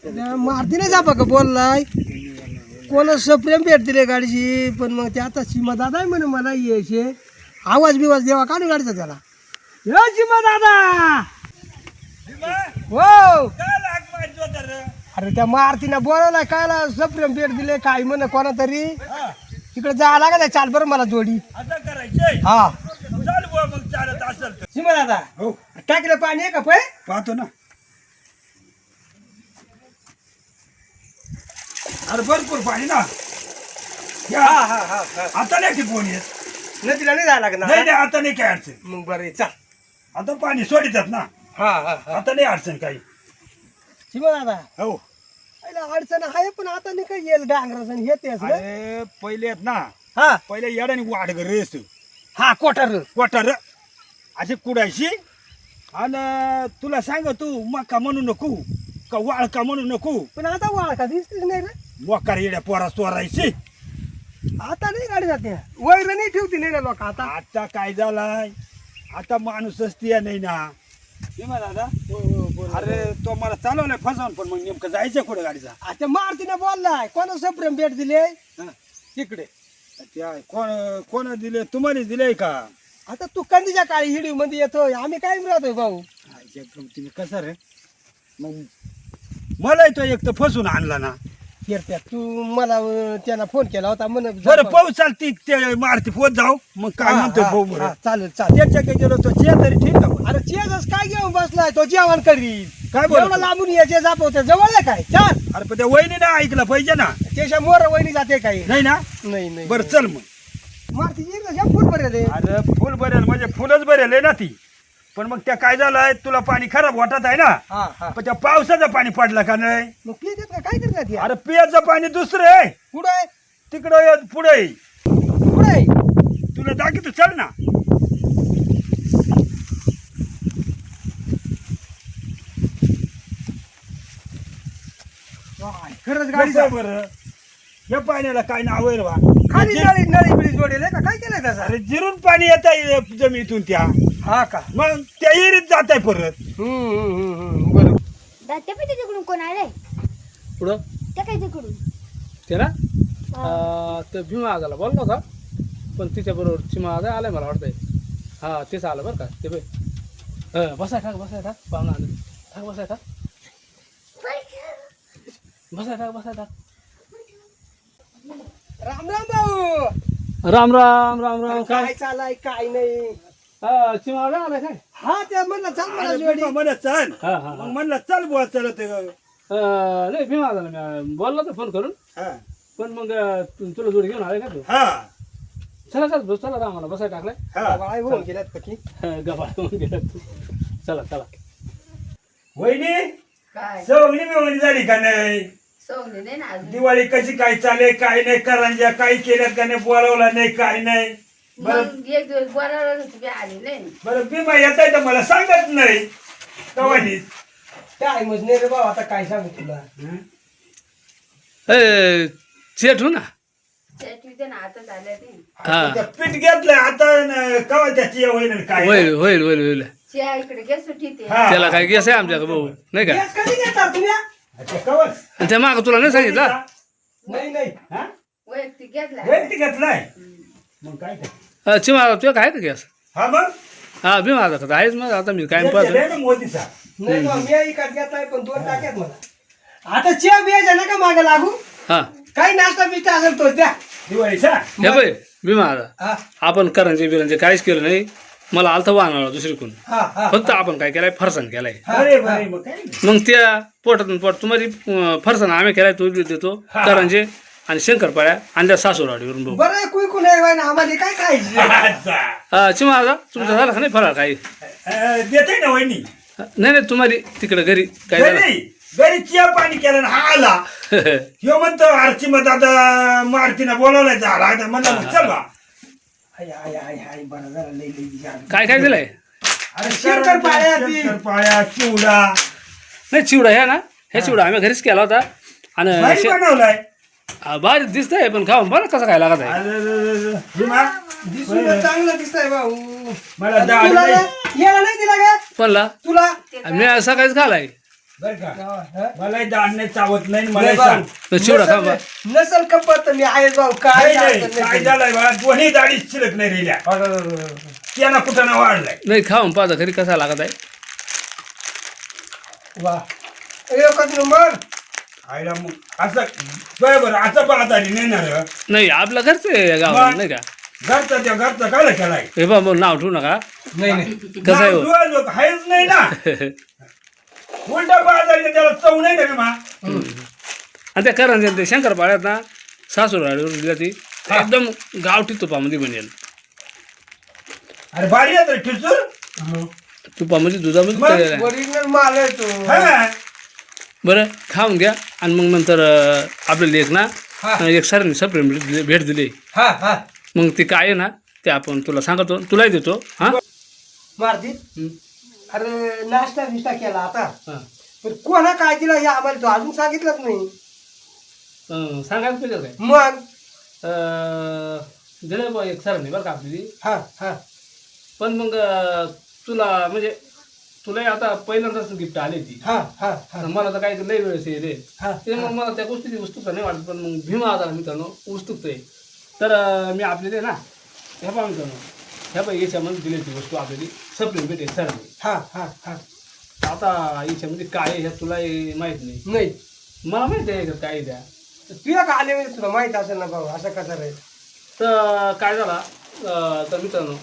मारतीने जा बघ बोललाय कोणाच प्रेम भेट दिले गाडीची पण मग ते आता सीमा दादा आहे म्हणे मला यायचे आवाज बिवाज देवा काढून गाडीचा त्याला यो सीमा दादा हो अरे त्या मारतीने बोलवलाय कायला सप्रेम भेट दिले काय म्हणे कोणा तरी तिकडे जायला लागत चाल बरं मला जोडी हा सीमा दादा हो टाकलं पाणी आहे का पै पाहतो ना अरे भरपूर पाणी ना आता नाही की कोण येत नदीला नाही जायला लागणार नाही नाही आता नाही काय अडचण मग बरं चाल आता पाणी सोडितात ना हा हा हा आता नाही अडचण काही सीमा दादा हो पहिला अडचण आहे पण आता नाही काय येईल डांगराचं हे ते असलं अरे पहिले आहेत ना हा पहिले येड्याने वाढ रेस हा कोटर क्वार्टर अशी कुडायची आणि तुला सांग तू मका म्हणू नको का वाळका म्हणू नको पण आता वाळ का दिसतेच नाही रे मोकार येड्या पोरा चोरायची आता नाही गाडी जाते वैर नाही ठेवती नाही ना लोक आता आता काय झालाय आता माणूसच ती नाही ना हे म्हणा दादा अरे तो मला चालवलाय फसवून पण मग नेमकं जायचं कुठे गाडीचा आता मारतीने बोललाय कोणा सप्रेम भेट दिले तिकडे त्या कोण दिले तुम्हालाच दिले का आता तू कंदीच्या काळी हिडी मध्ये येतोय आम्ही काय राहतोय भाऊ तुम्ही कसं रे मग मला तो एक तर फसून आणला ना फिरत्या तू मला त्यांना फोन केला होता म्हण बरं पाहू चालती ते मारती पोत जाऊ मग काय म्हणतो भाऊ बरं चालेल चालेल त्याच्या गेलो तो चे तरी ठीक आहे अरे चेजच काय घेऊन बसलाय तो जेवण करील काय बोलतो? एवढं लांबून याचे जापवते जवळ आहे काय चाल अरे पण त्या वहिनीने ऐकलं पाहिजे ना त्याच्या मोर वहिनी जाते काही नाही ना नाही नाही बरं चल मग मारती फुल भरेल आहे. अरे फुल भरेल म्हणजे फुलच भरेल आहे ना ती पण मग त्या काय झालंय तुला पाणी खराब वाटत आहे ना हा हा पण त्या पावसाचं पाणी पडलं का नाही मग पित का काय करतात अरे पियाचं पाणी दुसरं आहे पुढे तिकडं पुढे पुढे तुला दाखवतो चल ना खरंच कसं गाडी आहे बरं या पाण्याला काय नाव आहे रे बा? खाली नळी नळी बिळी जोडेल का काय केलंय त्याचा अरे जिरून पाणी येत आहे जमिनीतून त्या हा का मग त्या विहिरीत जात आहे परत बरोबर त्या पण तिकडून कोण आले पुढं त्या काय तिकडून त्याला तर भीमा आजाला बोलला होता पण तिच्याबरोबर चिमा आजा आलाय मला वाटतंय हा तेच आलं बरं का ते बाई बसाय टाक पाहुणा आलं टाक बसाय टाक राम राम भाऊ राम राम राम राम काय चालाय काय नाही चिमा आजा आलाय काय हा त्या म्हणलं चाल मला अरे जोडी बिमा म्हणत चल हा हा मग म्हणलं चल बुवा चलत नाही भीमा आजाला मी बोलला तर फोन करून पण मग तुला जोडी घेऊन आलाय का तू हा चला रामाला बसाय टाकलाय हा बाळा होऊन गेल्यात पकी गबाळ होऊन गेला तू चला वहिनी काय सवनी मिळवणी झाली का नाही सोंगली नाही ना अजून दिवाळी कशी काय चाले काय नाही करंज्या काय केल्यात का नाही बोलावला नाही काय नाही बरं मग एक दिवस बोलावलं तुम्ही आली नाही बरं भीमा येत आहे तर मला सांगत नाही कवानी काय मग नाही रे भाऊ आता काय सांगू तुला चेट हो ना त्याच्या ना आता झाल्या ते हा पीठ घेतलंय आता कवा त्याची होईल काय होईल चिया इकडे गॅस सुटीते हा. त्याला काय गेस आहे आमच्याकडे भाऊ नाही का गॅस कधी घेतात तुम्ही अच्छा, कवच आणि त्या माग तुला नाही सांगितलं नाही नाही हा? वैयक्तिक घेतला वैयक्तिक घेतलाय मग काय ते? चिमा तुझ्या काय का गॅस हा मग हा भीमा आता तर आहेच मग आता मी काय घेतलेलं आहे ना मोदीचा नाही बा, मी इकडे घेतलाय पण दोन टाक्यात मला आता चिया बिया ना का मागे लागू हा काही नाश्ता बिस्टा असेल तो द्या दिवाळीचा हे बाई भीमा आता हा आपण करंजे बिरंजे काहीच केलं नाही मला आलतं वाहनाला दुसरीकडून हा हा फक्त आपण काय केलाय फरसाण केलाय अरे बरे मग काय नाही. मग त्या पोटातून पोट तुम्हाला फरसाण आम्ही केलाय तो बी देतो करंजे आणि शंकरपाळ्या आणल्या सासूरवाडीवरून भाऊ बरं कुई नाही बाई ना आम्हाला काय खायची अच्छा. चिमा आता तुमचा झाला का नाही फराळ काही देते ना वहिनी नाही तुम्हाला तिकडे घरी काय झालं घरी चिया पाणी केलं ना हा आला ह्यो म्हणतो आरची मग आता मारतीनं बोलावलाय झाला आता म्हणलं मग चल बा हाय हाय हाय हाय बरं जरा लई लई घ्या. काय काय दिलंय अरे शंकरपाळ्या ती. शंकरपाळ्या चिवडा नाही चिवडा ह्या ना हे चिवडा आम्ही घरीच केला होता आणि भारी बनवलाय भारी दिसतंय पण खाऊन बरं कसं काय लागत आहे अरे भीमा, दिसून तर चांगलं दिसतंय भाऊ मला डाळ तुला नाही. ना- याला नाही दिला का म्हणला तुला मी सकाळीच खालाय बर का हा? मलाही दाढ नाही चावत नाही मला नाही सांग भाऊ. तर चिवडा खा बा. नसल कपत मी आहे भाऊ काय नाही, अडचण काय नाही. झालंय बा दोन्ही दाढीच शिल्लक नाही राहिल्या त्यांना कुठं ना वाढलाय नाही खाऊन पाहता खरी कसा लागत आहे. वा एकच नंबर. आईला मग असं बरोबर असं पाहता नाही ना रे. नाही आपलं घरचं आहे गावाला मग? नाही का. घरचा त्या घरचा काय केलाय हे बा मग नाव ठेवू नका. नाही नाही कसं आहे हो? नाव आहेच नाही ना उलटा बाजार त्याला चव नाही ना मा आणि त्या करंज ते शंकर पाळ्यात ना सासूरवाडीवरून दिला ती एकदम गावठी तुपामध्ये बनेल. अरे भारी आहे ठिसूर मग तुपामध्ये दुधामध्ये मग तळलेलं आहे. ओरिजिनल माल आहे तो. हा बरं खाऊन घ्या आणि मग नंतर आपले लेख ना हा. एक सरांनी सप्रेम भेट दिली. हा हा मग ती काय आहे ना ते आपण तुला सांगतो तुलाही देतो हां. मारती अरे नाश्ता बिष्टा केला आता हां पण कोणा काय दिला हे आम्हाला तो अजून सांगितलंच नाही. सांगायला पाहिजे काय मग दिलं बा एक सरांनी बरं का आपली. हा हा पण मग तुला म्हणजे तुलाही आता पहिल्यांदाच गिफ्ट आली ती. हा हा हा तर मला तर काही लई वेळेस येईल हा ते मग मला त्या गोष्टीची उत्सुकता नाही वाटत. पण मग भीमा आजार मित्रांनो उत्सुकता आहे. तर मी आपले ना ह्या पहा मित्रांनो ह्या बाई याच्यामध्ये दिली ती वस्तू आपल्याली सप्रेम भेटे सरांनी. हा हा हा आता याच्यामध्ये काय आहे ह्या तुला माहीत नाही. नाही मला माहिती आहे याच्यात काय आहे त्या. तुला का आले म्हणजे तुला माहित असेल ना भाऊ असं कसं रे. तर काय झाला तर मित्रांनो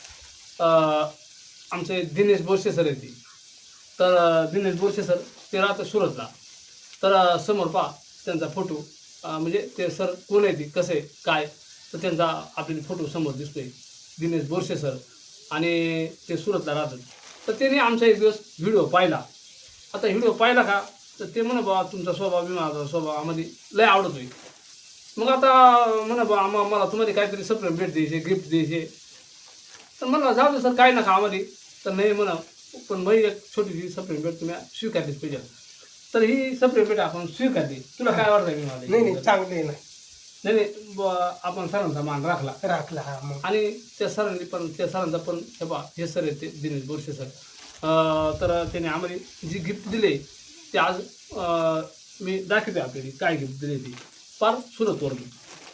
आमचे दिनेश बोरसे सर आहे ती. तर दिनेश बोरसे सर ते राहतं सुरतला. तर समोर पहा त्यांचा फोटो म्हणजे ते सर कोण आहे ती कसं आहे काय तर त्यांचा आपल्याला फोटो समोर दिसतोय दिनेश बोरसे सर आणि ते सुरतला राहतात. तर त्याने आमचा एक दिवस व्हिडिओ पाहिला. आता व्हिडिओ पाहिला का तर ते म्हणा बा तुमचा स्वभाव बी माझा स्वभाव आम्हाला लय आवडतोय. मग आता म्हणा बा मला तुम्हाला काहीतरी सप्रेम भेट द्यायचे गिफ्ट द्यायचे. तर म्हणलं जाऊ दे सर काय नका आम्हाला. तर नाही म्हणा पण बाई एक छोटीशी सप्रेम भेट तुम्ही स्वीकारलीच पाहिजे. तर ही सप्रेम भेट आपण स्वीकारली. तुला काय वाटतं मी मला नाही नाही चांगले नाही नाही नाही आपण सरांचा मान राखला राखला हा मग आणि त्या सरांनी पण त्या सरांचा पण हे बा हे सर आहे ते दिनेश बोरसे सर. तर त्याने आम्हाला जी गिफ्ट दिले ते आज मी दाखवते आपल्याला काय गिफ्ट दिले ती फार सुरतवरून.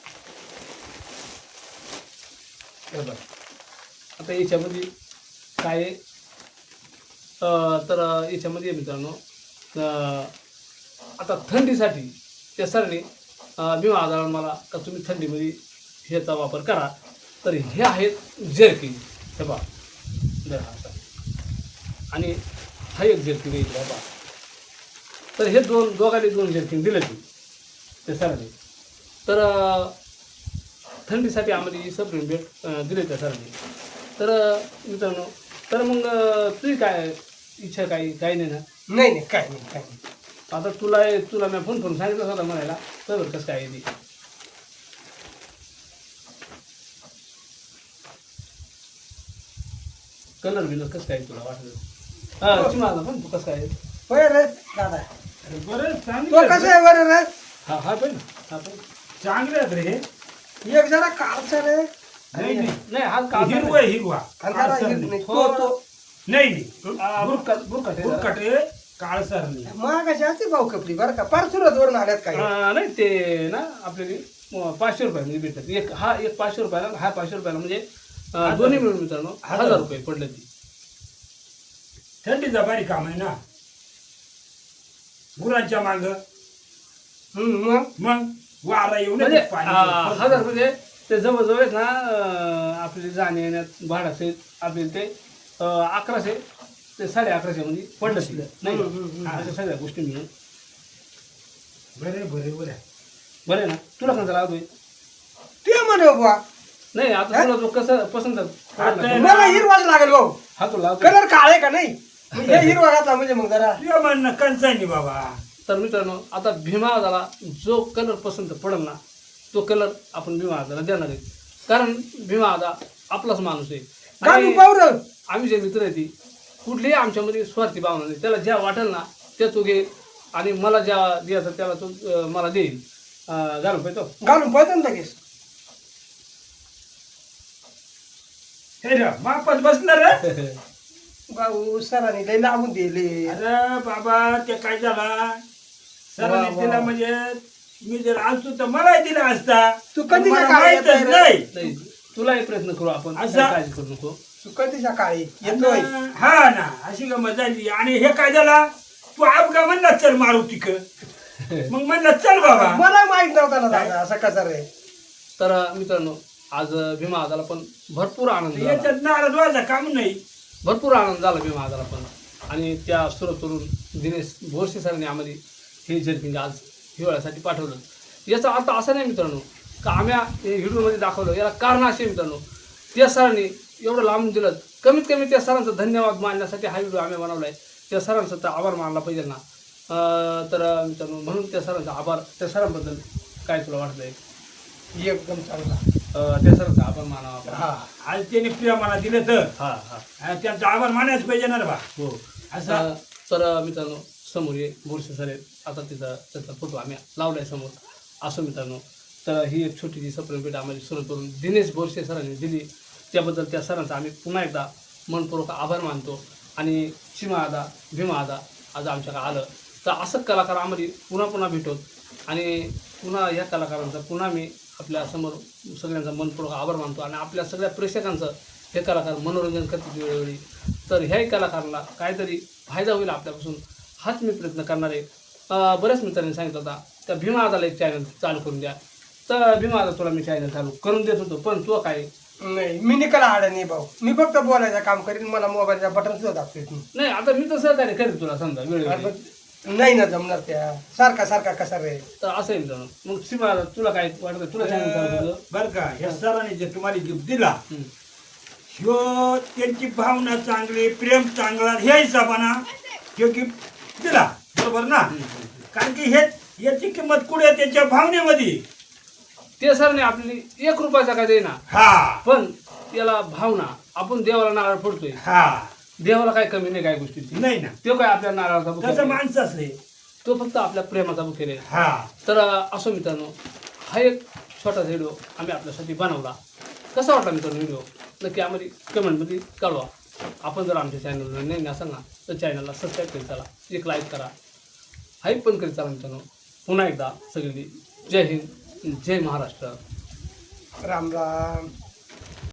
बरं आता याच्यामध्ये काय आहे तर याच्यामध्ये मित्रांनो आता थंडीसाठी त्या सरांनी विमा आजार मला का तुम्ही थंडीमध्ये ह्याचा वापर करा. तर हे आहेत जर्किंग हे बा जर हा आणि हा एक जर्किंग येईल बाबा. तर हे दोघांनी दोन जर्किंग दिले ती त्या सरांनी. तर थंडीसाठी आम्हाला ही सप्रेम भेट दिले त्या सरांनी. तर मित्रांनो तर मग तुझी काय इच्छा काही नाही ना. नाही नाही काय नाही काय नाही. आता तुला मी फोन करून सांगितलं होतं म्हणायला तर कसं काय आहे ती. कलर बिलर कसं काय तुला वाटलं हा चिमाला पण तू कसं काय होय रे दादा बरं तो चांगलं कसं आहे बरं रे. हा हा पण हा पण चांगले आहेत रे हे एक जरा काळचा रे नाही नाही नाही हा काळा हिरवा आहे, हिरवा आणि जरा काळसर हिर- नाही. तो नाही नाही बुरकट आहे जरा. बुरकट आहे, काळसर नाही महागाची असते भाऊ कपडी बरं का फार सुरतवरून आल्यात काही. नाही ते ना आपल्याला 500 रुपयामध्ये भेटतात. एक हा एक 500 रुपयाला हा 500 रुपयाला म्हणजे दोन्ही मिळून मित्रांनो 1000 रुपये पडले ती. थंडीचा भारी काम आहे ना गुरांच्या माग मग मग वारा येऊन म्हणजे पाणी 1000 म्हणजे ते जवळजवळ आहेत ना आपली जाणे येण्यात भाडाचे आपले ते 1100 ते 1150 मध्ये पडलं तिथं नाही का? अशा सगळ्या गोष्टी मिळून बरे बरे बरे बरं आहे ना. तुला कोणता लावतोय ते म्हणे बुवा नाही आता तुला जो कसं पसंत आता मला हिरवाच लागेल भाऊ. हा तो लावतोय. कलर काळे का नाही मग हे हिरवा घातला म्हणजे मग जरा तुझ्या म्हणणं कंचानी बाबा तर मित्रांनो आता भीमा आजाला जो कलर पसंत पडेल ना तो कलर आपण भीमा आजाला देणार आहे. कारण भीमा आजा आपलाच माणूस आहे. घालून आणि पाहू रे. आम्ही जे मित्र आहे ती कुठलीही आमच्यामध्ये स्वार्थी भावना नाही. त्याला ज्या वाटेल ना ते तो घेईल आणि मला ज्या द्यायचं त्याला तो मला देईल. घालून पाहिजे घालून पाहतो ना लगेच. हे रे मापात बसणार रे भाऊ सरांनी लय लावून दिले. अरे बाबा ते काय झाला सरांनी वा. दिला म्हणजे मी जर असतो तर मलाही दिला असता. तू कधी मला काय माहीतच येतोय रे? नाही. नाही तुलाही प्रयत्न करू आपण असं? काही काळजी करू नको. तू कधी सकाळी येतोय? हा ना अशी गमत झाली. आणि हे काय झाला तू अपघा म्हणला चल मारू तिक मग म्हणलं चल बाबा. मला माहित नव्हता ना दादा असं कसं रे. तर मित्रांनो आज भीमा आजाला पण भरपूर आनंद झाला. याच्यात नाराज व्हायचं काम नाही. भरपूर आनंद झाला भीमा आजाला पण. आणि त्या सुरतवरून दिनेश बोरसे सरांनी आम्हाला हे जर्किंग आज हिवाळ्यासाठी पाठवलं. याचा अर्थ असा नाही मित्रांनो का आम्ही हे व्हिडिओमध्ये दाखवलं. याला कारण असे मित्रांनो त्या सरांनी एवढं लांबून दिलं. कमीत कमी त्या सरांचा धन्यवाद मानण्यासाठी हा व्हिडिओ आम्ही बनवला आहे. त्या सरांचा तर आभार मानला पाहिजे ना. तर मित्रांनो म्हणून त्या सरांचा आभार. त्या सरांबद्दल काय तुला वाटतंय? एकदम चांगला. त्या सरांचा आभार मानावा आपण. हा आज त्याने प्रेमाला दिलं तर हा हा त्यांचा आभार मानायच पाहिजे ना रे बा. हो असं तर मित्रांनो समोर ये बोरसे सर आहेत. आता त्याचा फोटो आम्ही लावला आहे समोर. असं मित्रांनो तर ही एक छोटीशी सप्रेम भेट आम्हाला सुरू करून दिनेश बोरसे सरांनी दिली. त्याबद्दल त्या सरांचा आम्ही पुन्हा एकदा मनपूर्वक आभार मानतो. आणि सीमा आदा भीमा आदा आज आमच्याकडे आलं तर असं कलाकार आम्हाला पुन्हा पुन्हा भेटत. आणि पुन्हा या कलाकारांचा पुन्हा मी आपल्यासमोर सगळ्यांचा मनपूर्वक आभार मानतो. आणि आपल्या सगळ्या प्रेक्षकांचं हे कलाकार मनोरंजन करतात वेळोवेळी. तर ह्याही कलाकारांना काहीतरी फायदा होईल आपल्यापासून हाच मी प्रयत्न करणार आहे. बऱ्याच मित्रांनी सांगितलं होता त्या भीमा आदाला एक चॅनल चालू करून द्या. तर भीमा आदा तुला मी चॅनल चालू करून देत होतो पण तू काय नाही मी निकाला आडा नाही भाऊ. मी फक्त बोलायचं काम करीन. मला मोबाईलचा बटन सुद्धा दाखवत नाही. नाही आता मी तर सहकार्य करेन तुला समजा वेळोवेळी. नाही ना जमणार त्या सारखा सारखा कसा रे. तर असं आहे मित्रांनो. मग सीमा आदा तुला काय वाटतं तुला चॅनल चालू तुझं? बर का या सरांनी जे तुम्हाला गिफ्ट दिला हम्म. ह्यो त्यांची भावना चांगली प्रेम चांगला ह्या हिशोबाना ह्यो गिफ्ट दिला बरोबर ना. कारण की हे याची किंमत कुठे त्याच्या भावनेमध्ये. ते सरने आपली 1 रुपयाचा काय देईना हा पण याला भावना आपण देवाला नारळ फोडतोय. हा देवाला काय कमी नाही काय गोष्टीची. नाही ना तो काय आपल्या नारळाचा बुखेल तसं आहे. माणसाच आहे. तो फक्त आपल्या प्रेमाचा बुखेल आहे. हा तर असो मित्रांनो हा एक छोटा व्हिडिओ आम्ही आपल्यासाठी बनवला. कसा वाटला मित्रांनो व्हिडिओ नक्की आम्हाला कमेंटमध्ये कळवा. आपण जर आमच्या चॅनलला नाही असाल ना तर चॅनलला सबस्क्राईब करीत चला. एक लाईक करा. हाईप पण करीत चला मित्रांनो. पुन्हा एकदा सगळी जय हिंद जय महाराष्ट्र. राम राम.